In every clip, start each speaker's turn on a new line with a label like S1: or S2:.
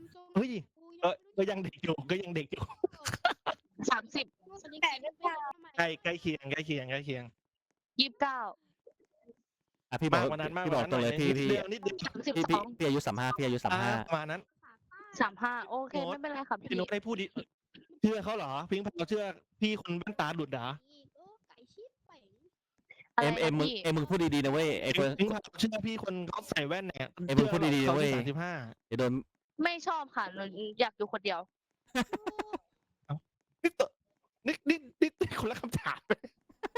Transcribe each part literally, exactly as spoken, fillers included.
S1: เฮ้ยเออก็ยังเด็กอยู่ก็ยังเด็กอยู่
S2: สามสิบ
S3: แต่ไม่พอ
S1: ใกล้ใกล้เคียงใกล้เคียงใกล้เคียง
S2: ยี่สิบเก้า
S4: อ่ะพี่บอ
S1: มาก กกว่านั้นมาก
S4: พี่
S1: ก
S4: บอ
S1: ว่าก นั้น
S4: ตรงเลย
S1: หน่
S4: พี่
S1: อยนิด
S4: พี่
S1: เดียวนิดเดียว
S2: สามสิบ
S4: พี่
S2: ส
S4: พี่
S2: อง
S4: พี่อายุสามห้าพี่อายุสาม
S1: อ่า
S4: ห้า
S1: ประมาณนั้น
S2: สามห้าโอเค
S1: โน้ต
S2: ไม่เป็นไรค่ะ
S1: พี่
S2: พี่
S1: นุ๊กได้พูดดิเชื่อเขาเหรอพิงค์พาวเชื่อพี่คนบ้านตาหลุดเหรอ
S3: ไก่ชิบไป
S2: อะไร
S4: เอ็มเอ็
S2: นะ
S4: มมึง
S2: พี่
S4: เอ็มมึงพูดดีๆนะเว้ยไอ้คน
S1: พิงค์พาวเชื่อพี่คนเขาใส่แว่นเนี่ย
S4: ไอ้มึงพูดดีๆนะเว้ย
S1: สามสิบห้า
S4: เดี๋ยวโดน
S2: ไม่ชอบค่ะหนูอยากอยู่คนเดียว
S1: นี่ตัวนี่นี่นี่นี่คนละคำถามเลย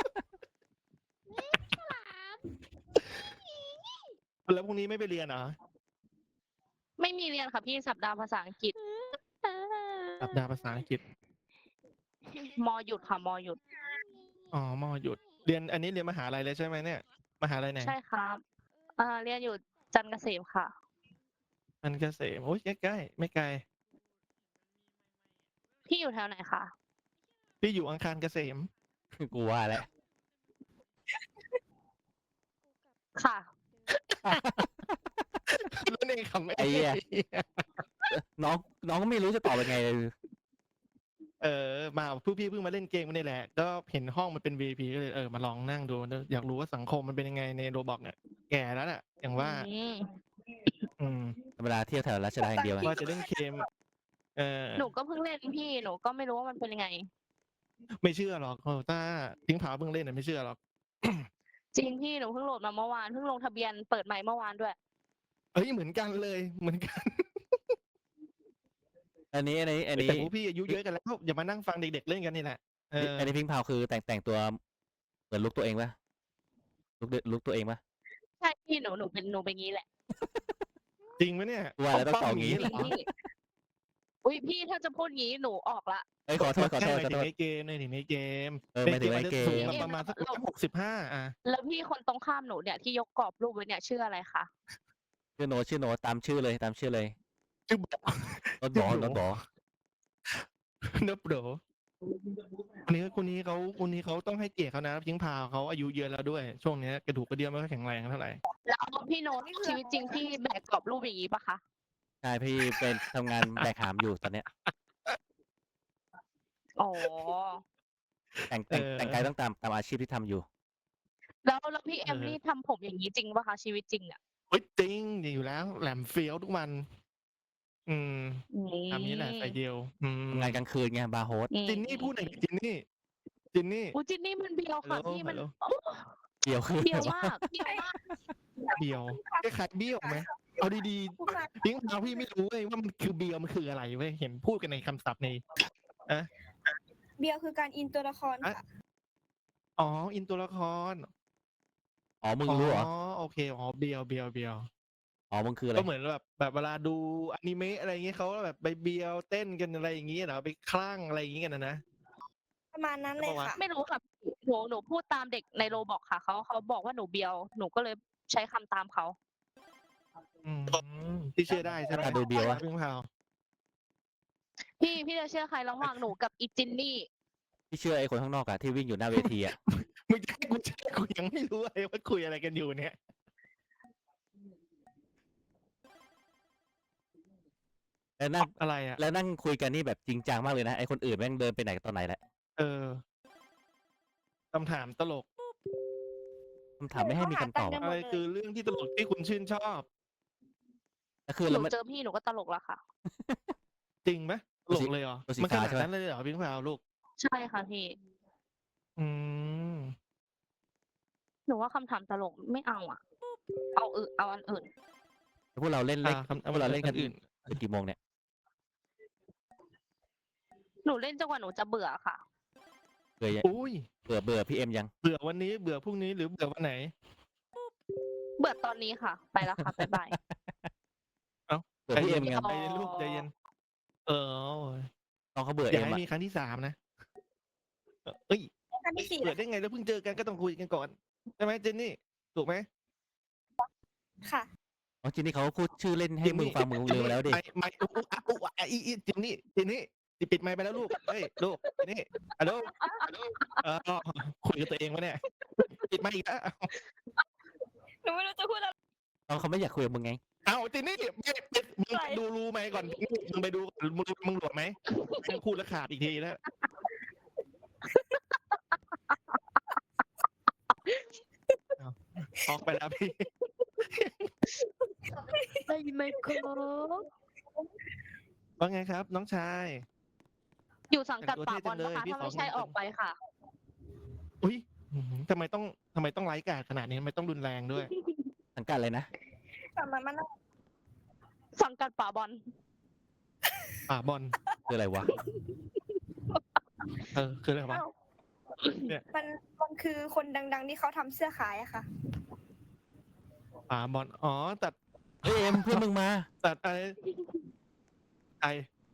S1: แล้วพรุ่งนี้ไม่ไปเรียนเหรอ
S2: ไม่มีเรียนค่ะพี่สัปดาห์ภาษาอังกฤษ
S1: สัปดาห์ภาษาอังกฤษ
S2: มอหยุดค่ะมอหยุด
S1: อ๋อมอหยุดเรียนอันนี้เรียนมหาลัยเลยใช่ไหมเนี่ยมหาลัยไหน
S2: ใช่ครับเอ่อเรียนอยู่จันทร์เกษมค่ะ
S1: มันเกษมโอ้ยใกล้ๆไม่ไกล
S2: พี่อยู่แถวไหนคะ
S1: พี่อยู่อังคารเกษม
S4: กูว่าแล้ว
S2: ค่ะ
S1: นั่นเองคำ
S4: ไอ้เหี้ยน้องน้องก็ไม่รู้จะตอบยังไงเลย
S1: เออมาผู้พี่เพิ่งมาเล่นเกมกันนี่แหละ ก็เห็นห้องมันเป็น วี พี ก็เลยเออมาลองนั่งดูอยากรู้ว่าสังคมมันเป็นยังไงในโรบอกเนี่ยแก่แล้วน่ะอย่างว่า
S2: อืม
S1: อืม
S4: ธรรมดาเที่ยวแถวรัชดาอย่างเดียวอะ
S1: ว่าจะเล่นเกมเออ
S2: หนูก็เพิ่งเล่นพี่หนูก็ไม่รู้ว่ามันเป็นยังไง
S1: ไม่เชื่อหรอกเออถ้าทิ้งผาเพิ่งเล่นน่ะไม่เชื่อหรอก
S2: จริงพี่หนูเพิ่งโหลดมาเมื่อวานเพิ่งลงทะเบียนเปิดใหม่เมื่อวานด้วย
S1: เอ้ยเหมือนกันเลยเหมือนกัน
S4: อันนี้อันนี้อันนี้
S1: แต่พวกพี่อายุเยอะกันแล้วอย่ามานั่งฟังเด็กๆเล่นกันนี่แหละเออ
S4: อันนี้พิงพาวคือแต่งแต่งตัวเหมือนลุกตัวเองปะลุกเดลุกตัวเองปะ
S2: ใช่พี่หนูหนูเป็นหนูเป็นงี้แหละ
S1: จริงไหมเนี่ย
S4: ว่าแล้วต้องตอบงี้
S1: เหรอ
S2: พี่อุ้ยพี่ถ้าจะพูดงี้หนูออกละ
S4: เอ้ยขอโทษขอโทษ
S1: หมาย
S4: ขอ
S1: ถึ
S4: โท
S1: ง
S4: ษ
S1: ในเกมในถึงในเกม
S4: เออหมายถึงในเกม
S1: สูงประมาณสักหกสิบห้าอ่ะ
S2: แล้วพี่คนตรงข้ามหนูเนี่ยที่ยกกรอบรูปไว้เนี่ยชื่ออะไรคะ
S4: ชื่อโนตชื่อโนตตามชื่อเลยตามชื่อเลย
S1: ชื่อบอก
S4: โนตบอ
S1: ชื่อหนู
S4: โนตบอ
S1: เนบโดคนนี้คนนี้เขาคนนี้เขาต้องให้เกียรติเขานะพิงพาวเขาอายุเยอะแล้วด้วย ช่วงนี้กระดูกกระเดี่ยวไม่ค่อยแข็งแรงเท่าไหร่
S2: แล้วพี่โน้ตชีวิตจริงพี่แบกกรอบรูปอย่างนี้ปะคะ
S4: ใช่พี่เป็นทำงานแบกหามอยู่ตอนเนี้ย
S2: อ๋อ
S4: แต่งแต่งแต่งกายต้องตามตามอาชีพที่ทำอยู่
S2: แล้วแล้วพี่เอมนี่ทำผมอย่างนี้จริงปะคะชีวิตจริงอ่ะ
S1: เฮ้ยจริงอยู่แล้ว แหลมเฟี้ยวทุกวัน อืม
S2: อืม
S1: ตามนี้แหละใส่เดียว อืม
S4: ทำงานกลางคืนไงบาร์โฮส
S2: อืม
S1: จินนี่พูดหน่อยดิจินนี่จินนี่
S2: อูจินนี่มันเบียวค่ะ
S1: ฮัลโหล
S2: พี่มัน
S1: ฮัลโหล
S2: โอ้
S4: เดียวคือ
S2: เบียวมากเบียวมาก
S1: เบียวคล้ายๆเบี้ยวไหมเอาดีๆพิงพาวพี่ไม่รู้เว้ยว่ามันคือเบียวมันคืออะไรเว้ยเห็นพูดกันในคำศัพท์ใน
S3: เบียร์คือการอินตัวละครค่ะ
S1: อ๋ออินตัวละคร
S4: อ๋อมึงรู้เหรอ
S1: อ๋อโอเคอ๋อเบียวเบียวเบียว
S4: อ๋อมึงคืออะไร
S1: ก็เหมือนแบบแบบเวลาดูอนิเมะอะไรอย่างเงี้ยเขาแบบไปเบียวเต้นกันอะไรอย่างเงี้ยเหรอไปคลั่งอะไรอย่างเงี้ยกันนะนะ
S3: ประมาณนั้นเลยค่ะ
S2: ไม่รู้ค่ะหนูหนูพูดตามเด็กในโรบอกค่ะเขาเขาบอกว่าหนูเบียวหนูก็เลยใช้คำตามเขา
S1: อืมที่เชื่อได้ใช่ไหม
S4: ตาดูเบียวอะ
S1: พิงพาว
S2: พี่พี่จะเชื่อใครระหว่างหนูกับอีจินนี่
S4: ที่เชื่อไอ้คนข้างนอกอะที่วิ่งอยู่หน้าเวทีอะ
S1: มึงจะให้กูเชื่อกูยังไม่รู้เลยว่าคุยอะไรกันอยู่เนี่ย
S4: แล้วนั่ง
S1: อะไรอ่ะ
S4: แล้วนั่งคุยกันนี่แบบจริงจังมากเลยนะไอ้คนอื่นแม่งเดินไปไหนตอนไหนแหละ
S1: เออคำถามตลก
S4: คำถามไม่ให้มีคำตอบ
S3: หาตังค์
S4: อะ
S3: หม
S1: อะไร
S3: ดเลย
S1: คือเรื่องที่ตลกที่คุณชื่นชอบ
S4: ก็คือ
S2: ห
S4: เรา
S2: นู
S4: ไม่
S2: เจอพี่หนูก็ตลกแล้วค่ะ
S1: จริงไหมต
S4: ตัว
S1: ล
S4: สี
S1: กเลยเหรอ
S4: ตัวสี
S1: มันข
S4: ฟ้า
S1: นาด
S4: ใช่ไหม
S1: นั้นเลยเหรอพิงพาวลูก
S2: ใช่ค่ะพี่
S1: อืม
S2: หนูว่าคำถามตลกไม่เอาอ่ะ เอาอื่นเอาอันอื่น
S4: พวกเราเล่นเล่น
S1: อ่าคำ
S4: พวกเราเล่นกัน
S1: อื่น
S4: ถึงกี่โมงเนี่ย
S2: หนูเล่นจนกว่าหนูจะเบื่อค่ะ
S4: เบื่อยัง
S1: อุ้ย
S4: เบื่อเบื่อพี่เอ็มยัง
S1: เบื่อวันนี้เบื่อพรุ่งนี้หรือเบื่อวันไหน
S2: เบื่อตอนนี้ค่ะ ไปแล้วค่ะบ๊ายบาย
S4: เบื่อ
S1: ใจ
S4: พี่
S1: เย็
S4: เอ็
S1: น
S4: มไง
S2: อ๋อ
S1: ใจเย็นลูกใจเย็น เออ
S4: น้องเขาเบื่อ
S1: อ
S4: เอ็
S1: ย่าม ให้
S4: อะ
S1: มีครั้งที่สามนะเอ้ย
S3: ครั้งที่สี่
S1: เบื่อได้ไงแล้วเพิ่งเจอกันก็ต้องคุยกันก่อนใช่ไหมเจนนี่ถูกไหม
S3: ค่ะ
S4: น้องจินนี่เขาพูดชื่อเล่นให้มึงฟังมึงลืมไปแล้วดิ
S1: ไม่ไม่อุ๊อุ๊อ่ะอุ๊อ่ะอีอีเจนนี่เจนนี่ปิดไมค์ไปแล้วลูกเฮ้ยลูกเจนนี่ฮัลโหลเออคุยกับตัวเองวะเนี่ยปิดไมค์อีกแล้ว
S3: หนูไม่รู้จะพูดอะไร
S4: น้องเขาไม่อยากคุยกับมึงไง
S1: เอาจินนี่ไม่มึงไปดูรูไหมก่อนมึงไปดูมึงมึงหลวมไหมมึงพูดแล้วขาดอีกทีแล้วออกไปแล้วพี่
S2: ได้ยินไหมครับ
S1: ว่าไงครับ น้องชาย
S2: อยู่สังกัดป่าบอลนะคะ
S1: พี่
S2: ถ้า
S1: ขอ
S2: ไม่ใช่
S1: เงินก่อน
S2: ออกไปค่ะ
S1: อุ้ยอื้อหือทำไมต้องทำไมต้องไร้กาจขนาดนี้ทำไมต้องรุนแรงด้วย
S4: สังกัดอะไรนะ
S3: แต่มันมัน
S2: สังกัดป่าบอล
S1: ป่าบอล
S4: คืออะไรวะ
S1: เออคืออะไรวะ
S3: มันมันคือคนดัง ๆ ที่เขาทำเสื้อขายอะค่ะ
S1: ป่าบอลอ๋อตัด
S4: เฮ้ยเอ็มเพื่อนมึงมา
S1: ตัดอะไรไอ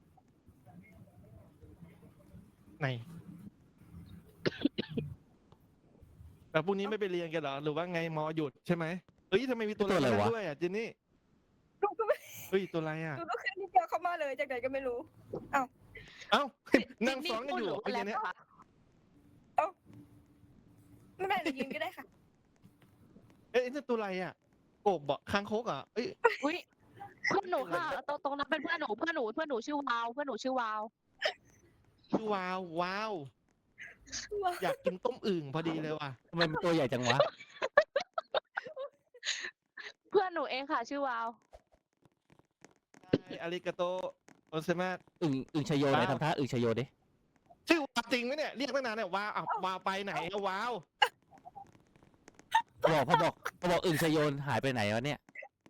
S1: ไหนแต่พรุ่งนี้ไม่ไปเรียนกันเหรอหรือว่าไงมอหยุดใช่ไหมเฮ้ยทำไมมีตัว
S4: ตัวอะไร
S1: นั่น
S4: วะ
S1: ด้วยอ่ะจินนี่
S3: ลูกก็ไม่
S1: เฮ้ยตัวอะไรอ่ะ
S3: ลูกก็ขึ้นที่เดียวเขามาเลยจากไหนก็ไม่รู้
S1: เอ้า นั่งซ้อนกันอยู่
S2: พูดหรื
S1: ไอ้
S2: ว่า
S1: เนี้ย
S2: แล้วค่ะ
S3: ไม่เป็นไรเดี๋ยวยืนก็ได้ค่ะ
S1: เอ้ยนี่ตัวอะไรอ่ะกบอ่ะคางคกอ่ะเอ้ย
S2: อุ้ยเพื่อนหนูค่ะตรงตรงนั้นเป็นเพื่อนหนูเพื่อนหนูเพื่อนหนูชื่อวาวเพื่อนหนูชื่อวาว
S1: ชื่อวาวว้าว อยากกินต้มอึ่งพอดีเลยว่ะ
S4: ทำไมมันตัวใหญ่จังวะ
S2: เพื่อนหนูเองค่ะ ชื่อวาว
S1: อาริกาโตโอเซมา
S4: อึ่งอึ่งชโยไหน
S1: ว้าว
S4: ทำท่าอึ่งชโยดิ
S1: ชื่อวาวจริงไหมเนี่ยเรียกตั้งนานเนี่ยว้าวอ่ะว้าวไปไหนอะว้าว
S4: พอบอกพอบอกพอบอกอึ่งชโยนหายไปไหนวะเนี่ย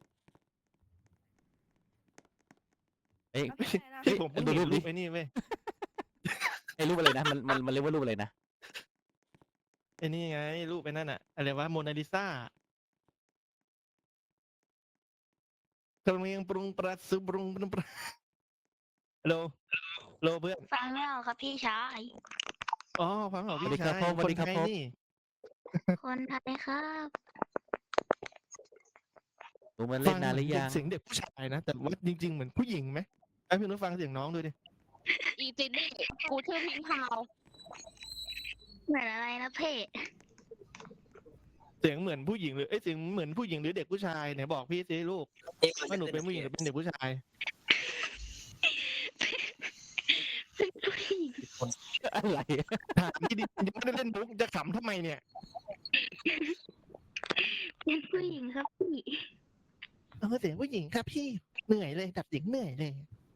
S4: เอ้ย
S3: ไม่เป็นไรนะ
S1: ที่ผมเพิ่ง
S4: ดู
S1: เห็
S4: รู
S1: น
S4: ปดิ
S1: รูปไอ้นี่เว้ย
S4: ไอ้รูปอะไรนะมันมันมันเรียกว่ารูปอะไรนะ
S1: ไอ้นี่ไงรูปไอ้นั่นอะอะไรวะโมนาลิซากำลังปรุงปรัสปรุงปรุงปรัสโลโลเพื่อน
S5: ฟังแล้วครับพี่ชาย
S1: อ๋อฟังเหรอ
S4: สวัส
S1: พี่
S4: ดีครับ
S1: ชาย
S4: พ่อสวัสดีครับ
S1: นไทย
S4: พ่อ
S1: นี่
S5: คนไทยครับ
S4: หนูมันเล่นนานหรือยัง
S1: เสียงเด็กผู้ชายนะแต่ว่าจริงๆเหมือนผู้หญิงไหมไอ้พี่นุ้ฟังเสียงน้องดูดิ
S2: อีจินนี่กูชื่อพิงพาว
S5: เหมือนอะไรนะเพ่
S1: เสียงเหมือนผู้หญิงหรือเอ้ยเสียงเหมือนผู้หญิงหรือเด็กผู้ชายไหนบอกพี่สิลูกว่าหนูเป็นผู้หญิงหรือเป็นเด็กผู้ชาย
S5: เป็นผู้หญิง
S4: อะไร
S1: ถามพี่ดิยังไม่ได้เล่นมุกจะขำทำไมเนี่ย
S5: เป็นผู้หญิงครับพี่
S1: เออเสียงผู้หญิงครับพี่เหนื่อยเลยดับเสียงเหนื่อยเลย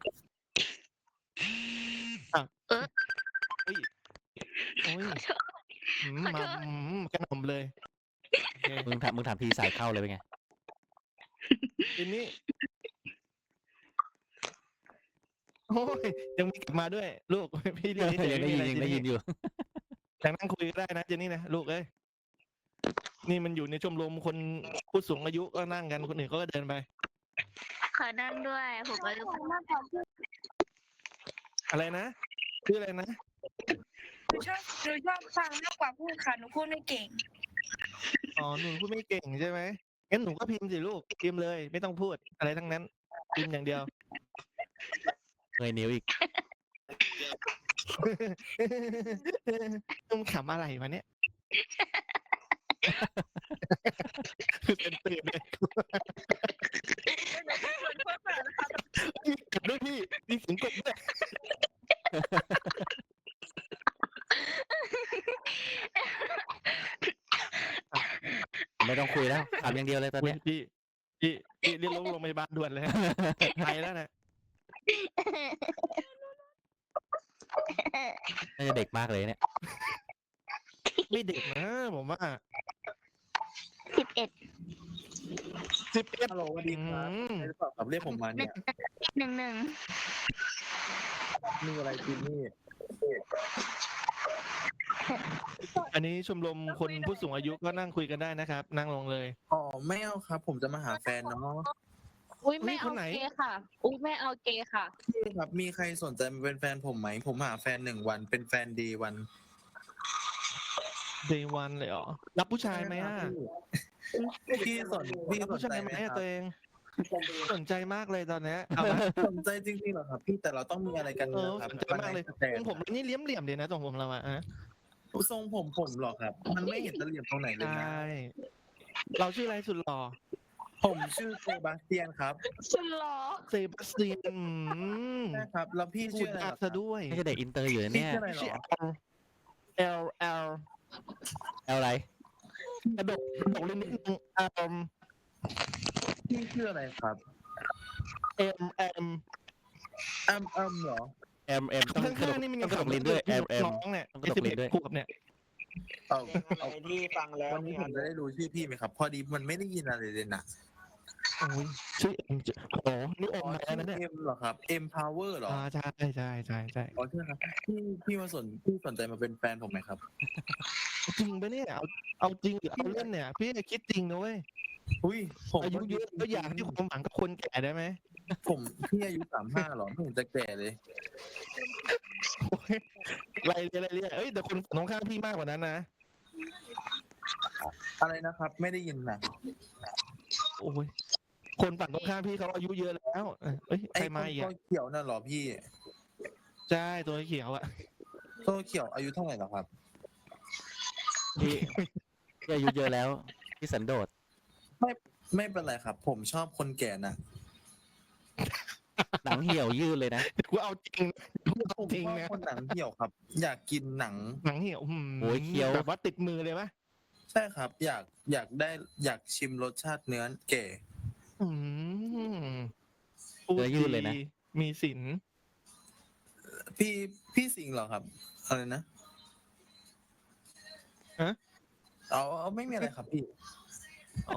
S1: อ่ะเฮ้ยโอ้ยอืมมาอืมกระหน่ำเลยโอเค
S4: มึงถามมึงถามทีสายเข้าเลยเป็นไง
S1: ทีนี้โอ้ยยังมีกลับมาด้วย ลูก พี่เรียก
S4: ยังได้ยินยังได้ยินอยู่
S1: แต่นั่งคุยก็ได้นะเจนนี่นะลูกเอ้ยนี่มันอยู่ในชมรมคนผู้สูงอายุก็นั่งกันคนอื่นเขาก็เดินไป
S5: ขอนั่งด้วยผมอายุ
S1: อะไรนะชื่ออะไรนะ
S3: หนูชอบหนูชอบฟังมากกว่าพูดค่ะ หนูพูดไม่เก่ง
S1: อ๋อหนูพูดไม่เก่งใช่ไหมงั้นหนูก็พิมพ์สิลูกพิมพ์เลย ไม่ต้องพูดอะไรทั้งนั้นพิมพ์อย่างเดียว
S4: เงยนิ้วอีก
S1: มึงขำอะไรวะเนี่ยคือเป็นตื่นเลยมีกบด้วยพี่มีเสียงกบด้วย
S4: ไม่ต้องคุยแล้วถามอย่างเดียวเลยตอนเนี้ย
S1: พี่พี่พี่เรียกโรงพยาบาลด่วนเลยฮะไปแล้วนะ
S4: น่าจะเด็กมากเลยเนี่ย
S1: ไม่เด็กนะผมว่า
S5: สิบเอ็ด
S1: สิบเอ็ด
S6: ฮัลโหลสวัสดีครับใช่หรือเปล่าครับเรียกผมมาเนี่ย
S5: หนึ่งหนึ่ง
S6: มีอะไรจินนี่
S1: อันนี้ชมรมคนผู้สูงอายุก็นั่งคุยกันได้นะครับ นั่งลงเลย
S6: อ๋อไม่เอาครับ ผมจะมาหาแฟนเนาะ
S2: อุ้ยไม่
S1: ค
S2: เอา
S1: นไหน
S2: เกย์ค่ะ อุ้ยไม่เอาเกย์ค่ะ
S6: พี่ครับ มีใครสนใจมาเป็นแฟนผมไหม ผมหาแฟนหนึ่งวัน เป็นแฟนดีวัน
S1: เดย์วันเลยเหรอรับผู้ชายไหมอ่ะ
S6: พี่สนพี่
S1: รับ
S6: สน
S1: ผู้
S6: ใจ
S1: ชายไห
S6: ไห
S1: ม
S6: ม
S1: อะ
S6: ครับ
S1: ตัวเอง สนใจมากเลยตอนเนี้ยเอามา
S6: สนใจจริงๆเหรอครับ พี่แต่เราต้องมีอะไรกัน
S1: เออ
S6: นะครับ
S1: สนใจมากเลย
S6: แต่
S1: ทรงผมนี่เลี้ยมเหลี่ยมเลยนะทรงผมเราอะฮะ
S6: ทรงผมผมเหรอครับ มันไม่เห็นจะเหลี่ยมตรงไหนเลย
S1: ใช
S6: นะ
S1: ่เราชื่ออะไรสุดหล่อ
S6: ผมชื่อเซบาสเตียนครับ
S2: ฉันเหรอ
S1: เซบาสเตียนอืม
S6: ใช่ครับ แล้วพี่
S1: พู
S6: ชื่
S1: ด
S6: ออะไร
S1: ยาก
S6: เหรอค
S1: ซะ
S6: รับ
S1: ด้วย
S4: ไม่ใช่เด็กอินเตอร์อยู่นะ
S6: พี่
S4: เนี่ย
S6: ชื่ออะไรเหร
S1: ชื่อ
S6: อ
S1: L L L
S4: เอาอะไร
S1: กระดกกระดกลิ้นนิดนึง L
S6: พี่ชื่ออะไรครับ
S1: M M
S6: อ้ำอ้ำเหรอ
S4: แอมแอมต้อง
S1: ข้
S4: กระด
S1: าง
S4: ก
S1: ๆนี่มัน
S4: ต้
S1: ยั
S4: อง งกระดก
S1: ขำ
S4: ลิ้นด้วยแอมแอม
S1: น้องเนี่ย
S4: ต้องกระดก
S1: สิบ
S4: ลิ้
S1: เอ็ด
S4: นด้วย
S1: ขวบเนี่ย
S6: เอา
S7: เพลงอะไรที่ฟังแล้ว
S6: วันนี้ผมจะได้รู้ชื่อพี่ไหมครับ พอดีมันไม่ได้ยินอะไรเลยนะ
S1: โอ้ยชื่อ M จะโอ้นี่อม
S6: อ๋อ
S1: มา
S6: ชื่
S1: แล้วนะเนี่ย
S6: เอ็มเหรอครับ M Power เหรอ
S1: อ่าใช่ใช่ใช่ใช่
S6: อ๋อใช่ครับพี่พี่มาสนพี่สนใจมาเป็นแฟนผมไหมครับ
S1: จริงปะเนี่ยเอาเอาจริงหรือเอาเล่นเนี่ย พี่คิดจริงนะเว้ย
S6: อุ้ยผม
S1: อายุเยอะก็อยากที่ความหวังกับคนแก่ได้ไหม
S6: ผมพี่อายุสามห้าหรอไม่เห็นจะแก่เลย
S1: โอ้ยไรเรียอะไรเรียเอ้ยแต่คนฝั่งตรงข้ามพี่มากกว่านั้นนะ
S6: อะไรนะครับ ไม่ได้ยินนะ
S1: โอ้ยคนฝั่งตรงข้ามพี่เขาอายุเยอะแล้วเออเอ้ยใค
S6: ไอ้
S1: ร
S6: ค
S1: มาน อีก
S6: ตั
S1: อ่ะ
S6: วเขียวน่ะเหรอพี่
S1: ใช่ตัวเขียวอ่ะ
S6: ตัวเขียวอายุเท่าไหร่เหรอครับ
S4: พี่พี่อายุเยอะแล้วพี่สันโดษ
S6: ไม่เป็นไรครับ ผมชอบคนแก่นะ
S4: หนังเหี่ยวยืดเลยนะ
S1: กูเอาจริงกูเอา
S6: ผม
S1: จริง
S6: ชอบ
S1: นะ
S6: คนหนังเหี่ยวครับ อยากกินหนัง
S1: หนังเหี่ยวหืม
S4: โอ้ยเคี้ยว
S1: แบบว่าติดมือเลยปะ
S6: ใช่ครับ อยากอยากได้อยากชิมรสชาติเนื้อแก่
S1: อืมพูด
S4: เนื้อยืดเลยนะ
S1: ดีมีสิน
S6: พี่พี่สิงห์เหรอครับอะไรนะ
S1: ฮะ
S6: เอาเอาไม่มีอะไรครับ พี่
S1: อ๋อ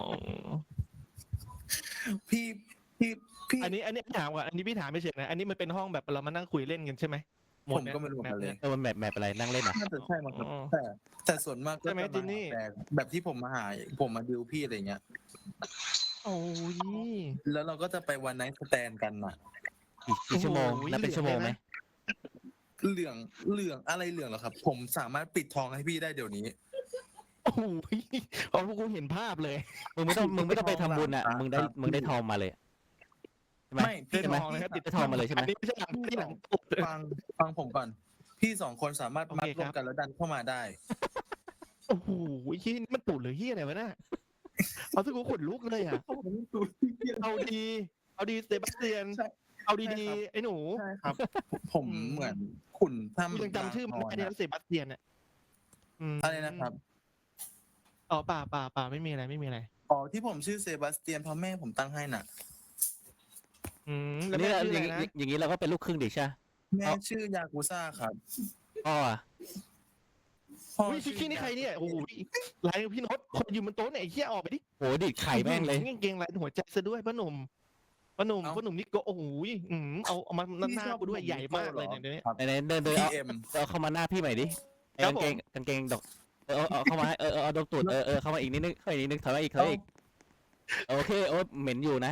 S6: พี่พี่พี่
S1: อันนี้อันนี้พี่ถามก่อนอันนี้พี่ถามไม่เฉยนะอันนี้มันเป็นห้องแบบเรามานั่งคุยเล่นกันใช่ไหมห
S6: ผม
S1: ดเนี่ย
S6: ก็ไม่รู้เหมือนกันเลย
S4: เออมันแมปแมปอะไรนั่งเล่นอ่ะ
S6: น่าจะใช่มั้งครับ
S1: อ๋อ
S6: แต่แต่ส่วนมากก็
S1: ใช่ไหม
S6: จะ
S1: จิ
S6: มาน
S1: นี่
S6: หาแฟนแบบที่ผมมาหา ผมมาดิวพี่อะไรเงี้ย
S1: โอ้ย
S6: แล้วเราก็จะไปวันไนท์สแตนกันน่ะ
S4: กี่กี่ชั่วโมง
S1: โอ้โห
S4: นับเป็นชั่วโมงไหม
S6: เหลืองเหลืองอะไรเหลืองเหรอครับ ผมสามารถปิดทองให้พี่ได้เดี๋ยวนี้
S1: โอ้โหเอาพวกกูเห็นภาพเลย
S4: มึงไม่ต้องมึงไม่ต้องไปทำบุญอ่ะ
S6: ครับ
S4: มึงได้มึงได้ทองมาเลยใช่ไหม
S6: ไม่พี่
S1: ได้
S4: ใช่ไหม
S1: ทองนะครับติด
S4: ได้ทองมาเลยใช่ไหม
S1: อันนี้ไม่ใช่หนังที่หนังปุ๊บ
S6: ฟังฟังผมก่อน พี่สองคนสามารถ
S1: โอ
S6: มัด
S1: เค
S6: รว
S1: ครั
S6: ม
S1: บ
S6: กันแล้วดันเข้ามาได้
S1: โอ้โหที่นี่มันตูดหรือเฮียอะไรวะน่ะเอาที่กูขนลุกเลยอ่ะเอาดีเอาดีเซบาสเตียน
S6: ใช่
S1: เอาดี
S6: ใช่ครับ
S1: ๆไอ้หนู
S6: ใช่ครับ ผม
S1: อืม
S6: เหมือนขุน
S1: กู
S6: ทำ
S1: ยังจำชื่อมันไม่ได้นะเซบาสเตียนอ่ะม
S6: อะไรนะครับ
S1: อ๋อป่าป่าป่าไม่มีอะไรไม่มีอะไร
S6: อ๋อที่ผมชื่อเซบาสเตียนเพราะแม่ผมตั้งให้น่ะ
S1: อืม
S4: อั
S1: แล้ว
S4: นนี้
S1: แม่
S4: เรา
S1: ชื่อ
S4: อ
S1: อะไร
S4: ย่าง
S1: นะ
S4: งี้อย่างงี้เราก็เป็นลูกครึ่งดิใช่ไหม
S6: แม่
S4: เอา
S6: ชื่อยากุซ่าครับ
S4: พ่ออะ
S6: พ่อ
S1: อุ้ยพี่ขี้นี่ใครเนี่ยโอ้โหลายพี่โน้ตคนอยู่บนโต๊ะเนี่ยไอ้เหี้ยออกไปดิ
S4: โหดิดไข่แม่งเลย
S1: กางเกงลายหัวใจซะด้วยพ่อหนุ่มพ่อหนุ่มพ่อหนุ่มนี่ก็โอ้โหอืมเอาเอามาหน้ากูด้วยใหญ่มากเลยเนี่ยเดี๋ยวนี้
S6: ครับ
S4: ไหนๆเดินเดิน
S6: พี
S4: เอา
S6: เอ็ม
S4: เอาเข้ามาหน้าพี่ใหม่ดิไอ้
S1: ครับ
S4: กางเกงกางเกงดอกเออเอาเอาเข้ามาให้เออเออเอาดมตูดเออเออเข้ามาอีกนิดนึงเข้ามาอีกนิดนึงถอยมาอีกถอยมาอีกโอเคโอ้เหม็นอยู่นะ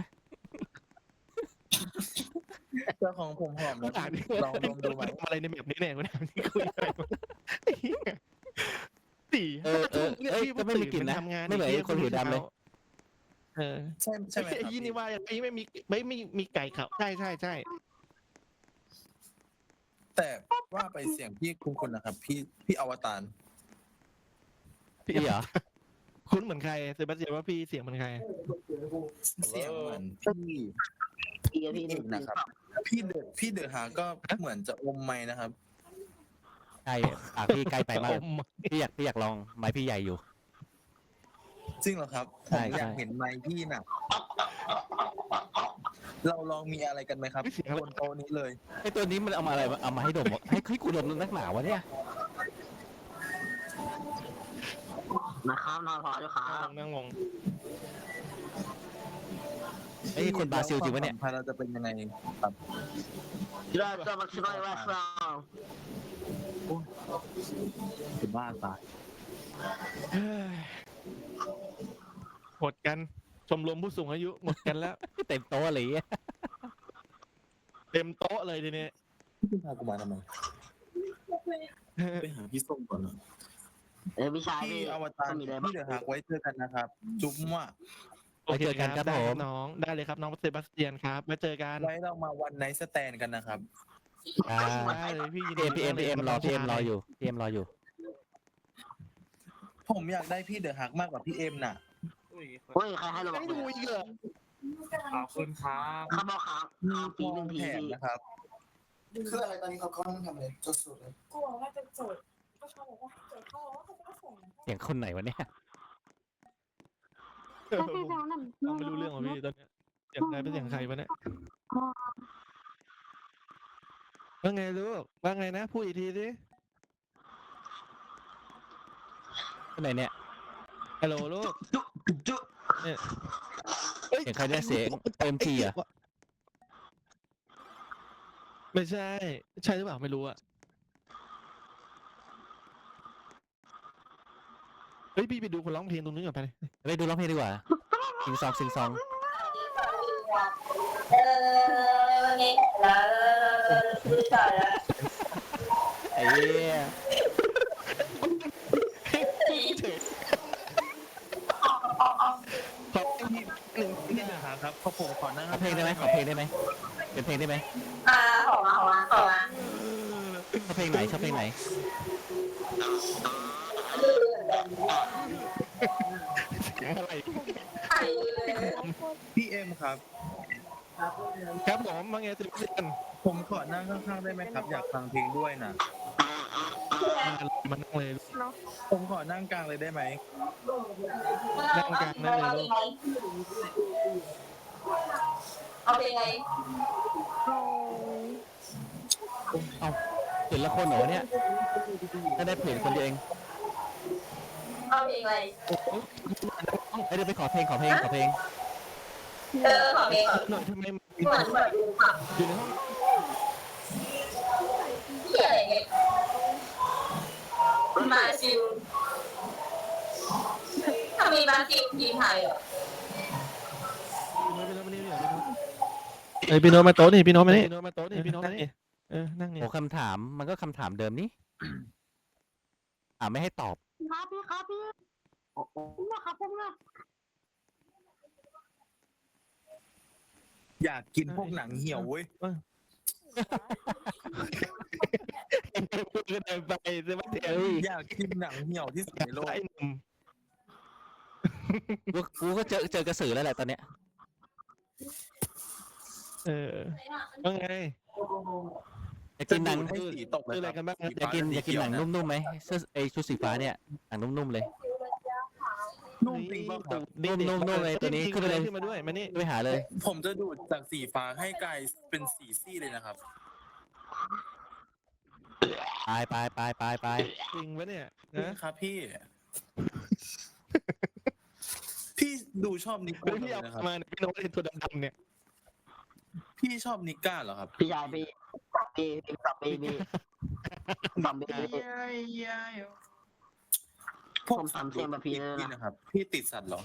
S6: เจ้าของผมหอม
S1: กู
S6: นะ
S1: ถามดิ
S6: ลองดมดูไหม
S1: ทำอะไรในแบบนี้เนี่ยกูถามนี่คุยอะไรวะไอ้เหี้ยสี่
S4: เออเออเอ้ยก็ไม่มีกลิ่นนะ
S1: ทำงาน
S4: ไม่เหมือนไอ้คนผิวดำเลย
S1: เออ
S6: ใช่ใช่ไหมค
S1: ไอ้
S6: รับ
S1: ยี่นี่ว่าไอ้ไม่มีไม่มีมีไก่เขาใช่ใช่ใช่
S6: แต่ว่าไปเสียงพี่คุณคุณนะครับ พี่พี่อวตาร
S4: พี่เหรอ
S1: คุณเหมือนใครเซบาสเตียนว่าพี่เสียงเหมือนใคร
S6: เสียงเหมือนพี่พี่เอกนะครับ พี่เดอะพี่เดอะหาก็เหมือนจะอมไม้นะครับ
S4: ใช่ปากพี่ใกล้ไปมาก
S1: อม
S4: พี่อยากพี่อยากลองไม้พี่ใหญ่อยู่
S6: จริงเหรอครับผ
S4: ใช่
S6: มอยาก
S4: ใช่
S6: เห็นไม้พี่น่ะ เราลองมีอะไรกันไหมครับ
S1: ไม่เสียงอะไร
S6: บนโต๊ะนี้เลย
S4: ไอ้ตัวนี้มันเอามาอะไรวะเอามาให้ดมวะให้ให้กูดมนักหนาวะเนี่ย
S7: นะครับนอนพอด้วยครั
S1: นั่ง
S7: บ
S1: งงนั่งงง
S4: ไอ้คนบราซิลจริงปะเนี่ย
S6: แล้วความสัมพันธ์เราจะเป็นยังไงครับ
S7: เราจะมาช่วยว่าเรา
S6: เป็นบ้าตาย
S1: เฮ้ยหมดกันชมรมผู้สูงอายุหมดกันแล้ว
S4: เต็มโต๊ะเลยอะ
S1: เต็มโต๊ะเลยทีนี้
S6: พี่พากูมาทำไมไปหาพี่ส้มก่อนนะ
S7: เออพี่ชาย
S6: พี่
S7: พี่
S6: อวตาร
S7: มีอะไร
S6: พี่เดอะหากไว้เจอกันนะครับ จุ๊บมั่ว
S1: โอเคครับได้ครับน้องได้เลยครับน้องเซบาสเตียนครับมาเจอกัน
S6: ไว้เรามาวันไนท์สแตนกันนะครับ
S4: อ่า
S1: ได้เลยพี่ยิน
S4: พี
S1: ดี
S4: เอ็มพีเอ็มพีเอ็มรอพีเอ็มรออยู่พีเอ็มรออยู่
S6: ผมอยากได้พี่เดอะฮักมากกว่าพี่เอ็มน่ะ
S7: เฮ้ยใครให้เราบ
S1: ยั
S7: อก
S1: งอยู่อีกเหรอ
S8: ขอบคุณครับ
S7: เขาบอกครับ
S6: มี
S7: ครับ
S6: ท
S7: ที
S6: อ
S7: หนึ่
S6: ง
S7: งที
S6: แถม
S7: พี่
S6: นะครับ
S9: คืออะไรตอนนี้เขาเขาต้องทำอะไรจดสูตรเลย
S3: กลัวว่าจะจดก็ชอบบอกว่าให้จดเขาบอกว่าเขาจะส่ง
S4: เสียงคนไหนวะเนี่ย
S1: เออผมฟังไม่รู้เรื่องว่ะพี่ตอนเนี้ยเสียงใครเป็นเสียงใครวะเนี่ยว่าไงลูกว่าไงนะพูดอีกทีสิ
S4: คนไหนเนี่ย
S1: ฮัลโหลลูก
S7: จุ๊จุ๊
S1: เนี่ย
S4: เสียงใครเนี่ยเสียงเอ็มทีอ่ะ
S1: ไม่ใช่ ใช่หรือเปล่าไม่รู้อะเฮ้ยพี่ไปดูคนร้องเพลงตรงนู้นก่อนไปเลย
S4: ไปดูร้องเพลงดีกว่าซิงซองซิงซองไอ้เหี้ย
S1: ขอบคุณพี่หนึ่งที่หนึ่งครับครับขอผมขอนั่ง
S4: ขอเพลงได้ไหมขอเพลงได้ไหมเป็นเพลงได้ไหม
S3: อ่าขอมาขอมาขอมา
S4: ชอบเพลงไหนชอบเพลงไหน
S1: เสียงอะไร
S6: พี่เอ็มครับ
S1: ครับผมมาไงสิบเดือน
S6: ผมขอนั่งข้างๆได้ไหมครับ อยากฟังเพลงด้วยนะ
S1: มานั่งเลย
S6: ผมขอนั่งกลางเลยได้ไหม
S1: นั่งกลางนั่งเลยลูก
S3: เอาเป็นไง
S4: เอาเห็นละคนเหรอวะเนี่ยถ้าได้เพลงคนเดียวเอง
S3: เอาเป็นไง
S4: ไอ้ยเดี๋ยวไปขอเพลงขอเพลงขอเพลง
S3: เออขอเป็น
S1: หน่อยทำไมมัน
S3: เหมือนแบบดูค่ะ
S1: อยู่ในห้อง
S3: ที่อะไรเงี้ยมาซิลถ้ามีมาซิลทีมไทยอ่ะ
S1: พี่โน้ตพี่โน้ตมานี่พี่โน้ตเอ้ยพี่โน้ตมาโต๊ะนี่พี่โน้ตมานี่พี่โน้ตมาโต๊ะนี่พี่โน้ตมานี่เออนั่งนี่
S4: โอ้คำถามมันก็คำถามเดิมนี่ถามไม่ให้ตอบ
S5: ครับพี่ครับพี่นะครับผมนะ
S6: อยากกินพวกหนังเหี่ยวเว้ย
S1: พูดกันไปใช่ไหมเดี๋ยว
S6: อยากกินหนังเหี่ยวที่สุดในโลก
S1: ไอ้หนุ่ม
S4: กูกูก็เจอเจอกระสือแล้วแหละตอนเนี้ย
S1: เออว่าไง
S4: อยากกินหนัง
S6: ให้สีตกเลย
S1: คืออะไร
S6: ค
S1: กัน
S6: รับ
S1: บ้าง
S6: สี
S4: อยาก
S6: ฟ้
S4: กินอยากกินหนัง
S6: สีเขีวะ
S4: นุ่มๆไหมเสื้อไอชุดสีฟ้าเนี่ยหนังนุ่มๆเลย
S6: นุ่มจริงป่ะครับ
S4: นุ่มๆนุ่มๆเลยตัวนี้ขึ้นไปเลย
S1: ขึ้นมาด้วยมานี่
S4: ไปหาเลย
S6: ผมจะดูดจากสีฟ้าให้กลายเป็นสีซี่เลยนะครับ
S4: ไปไปไปไปไป
S1: จริงปะเนี่ยนะ
S6: ครับพี่ พี่ดูชอบนิก
S1: เฮ้ย
S6: ก้า
S1: พี่เอา
S6: นะครับ
S1: มาเนี่ยพี่โน้ตไอ้ตัวดำๆเนี่ย
S6: พี่ชอบนิก้าเหรอครับ
S7: พี่ชายพี่พี่พี่สับพี่พี่สับพี่พี่
S6: พวก
S7: ผมทำเสียงแบบพี่เลยนะ
S6: พี่นะครับ พี่ติดสัตว์เหรอ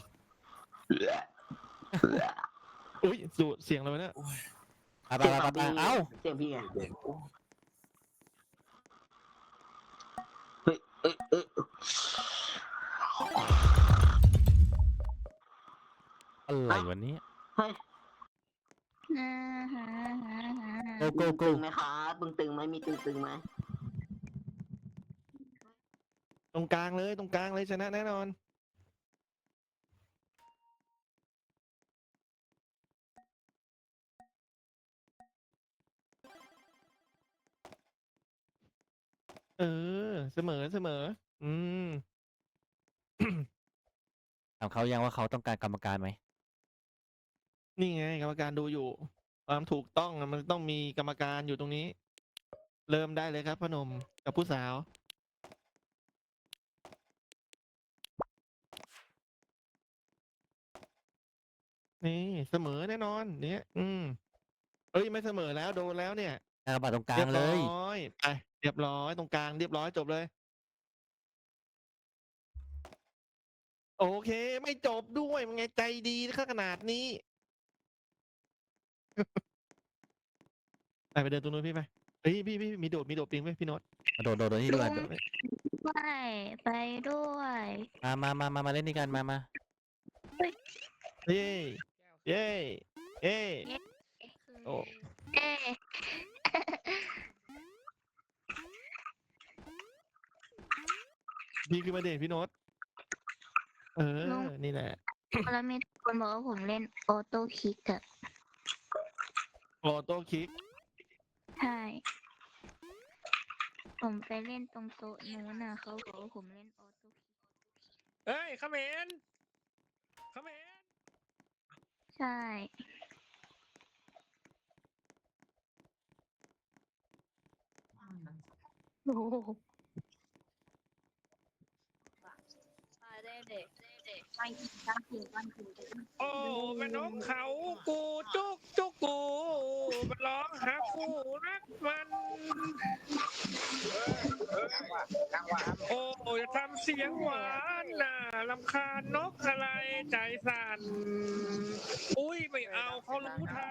S1: อุ้ยดูเสียงอะไรวะเนี่ย
S4: ไปไปไปไปเอ้า
S7: เสียงพี่ไง
S6: เด็ก
S7: เฮ้ยเอ้ยเอ้ย
S4: อะไรวันนี้
S7: เฮ้ย
S4: โกโกโก
S7: ตึงไหมครับตึงตึงไหมมีตึงตึงไหม
S1: ตรงกลางเลยตรงกลางเลยชนะแน่นอนเออเสมอเสมอ อืม
S4: ถามเขายังว่าเขาต้องการกรรมการไหม
S1: นี่ไงกรรมการดูอยู่ ความถูกต้องอะมันต้องมีกรรมการอยู่ตรงนี้ เริ่มได้เลยครับพอหนมกับผู้สาว นี่เสมอแน่นอนเนี่ยอืมเอ้ยไม่เสมอแล้วโดนแล้วเนี่ย
S4: กากบาทตรงกลา
S1: เรี
S4: ง
S1: ยบ
S4: เล
S1: ร้อย ยไปเรียบร้อยตรงกลางเรียบร้อยจบเลย โอเค ไม่จบด้วยมันไงใจดีขนาดนี้ ไปไปเดินตรงนู้นพี่ไปเฮ้ยพี่พี่มีโดดมีโดดปิงไหมพี่โน้ต
S4: มาโดดโดดโดดที่ด้วย
S1: โดดไหม
S5: ไม่ไปด้วย
S4: มามามามามาเล่นนี่กันมามา
S1: เย้เย้เย้โอ้
S5: เอ๊ะ
S1: พี่ขึ้นมาเด็พี่โน้ตเออนี่แหละ
S5: แล้วมีคนบอกว่าผมเล่นออโต้คิกอะ
S1: โอโต้คิก
S5: ใช่ ผมไปเล่นตรงโต๊ะนู้นน่ะเขาบอกว่าผมเล่นออโต้คิก
S8: เฮ้ยเขมรเขมร
S5: ใช่
S2: โอ้โหได้เด็กเด็กไม่กินข้าวกินวันกิน
S8: โอ้แม่นกเขากูจุกจุกกูมันร้องหาคู่รักมันโอ้อย่าทำเสียงหวานน่ะลำคาญนกอะไรใจสั่นอุ้ยไม่เอาเขารู้ทัน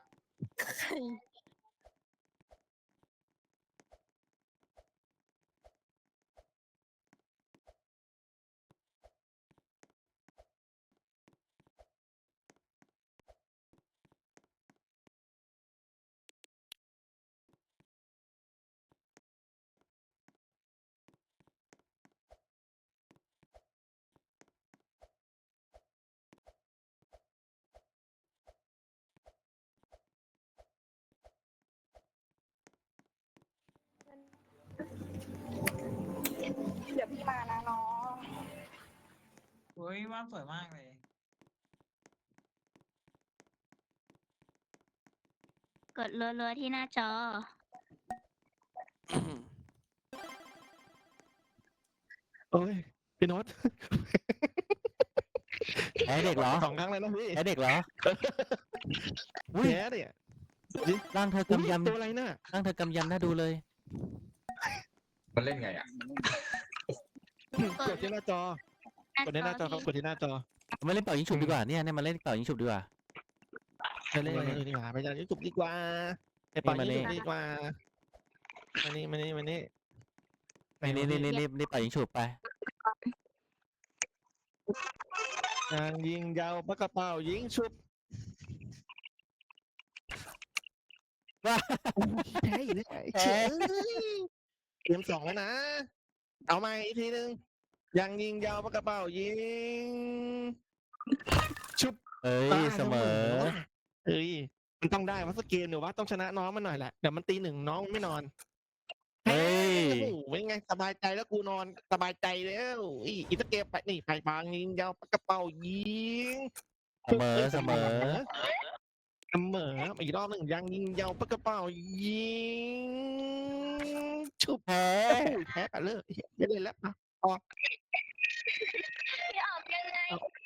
S3: เดี๋ยวพี่มานะน้อง
S8: เฮ้ยว่านสวยมากเลย
S5: กดรัวๆที่หน้าจอ
S1: โอ้ยพี่โน้ต
S4: แพ้เด็กเหรอ
S1: สองครั้งเลยนะพี่
S4: แพ้เด็กเหรออุ้ย
S1: แพ้เนี่ย
S4: ร่างเธอกำย
S1: ตัวอะไรน่ะ
S4: ำร่างเธอกำยำน่าดูเลย
S8: มันเล่นไงอ่ะ
S1: กดที่หน้าจอ กดที่หน้าจอครับกดที่หน้าจอ
S4: มาเล่นเป่ายิงฉุบดีกว่าเนี่ยเนี่ยมาเล่นเป่ายิงฉุบดีกว่า
S1: ไปเล่นอันอื่นดีกว่าไปเล่นยูทูบดีกว่าไปปล่อย
S4: นี่มา
S1: ยู
S4: นี่
S1: ทูบดีกว่ามานี่มานี่มานี่
S4: นี่นี่นี่นี่นี่เป่ายิงฉุบไป
S1: ยางยิงยาวปากกระเป๋ายิงชุบ
S4: ว้า
S1: แพ้อีกแล้ว
S4: แพ้
S1: เตรียมสองแล้วนะ เอาใหม่อีกทีหนึงยางยิงยาวปากกระเป๋ายิงชุบ
S4: เอ้ย
S1: ตาย
S4: เสมอ
S1: แล้วเอ้ยมันต้องได้ว่าสกเกมหรือว่าต้องชนะน้องมันหน่อยแหละเดี๋ยวมันตีหนึ่งน้องไม่นอน
S4: เฮ้ย
S1: โอ้โหเป็นไงสบายใจแล้วกูนอนสบายใจแล้วอีอีสเกมไปนี่ไปบางยิงยาวปากกระเป๋ายิง
S4: เสมอเสมอ
S1: เสมออีกรอบหนึ่งยังยิงยาวปากกระเป๋ายิงชุบ
S4: แพ้
S1: โอ้ยแพ้ไปเลยไม่เล่นแล้วอ่ะ
S3: พี่ออกยังไง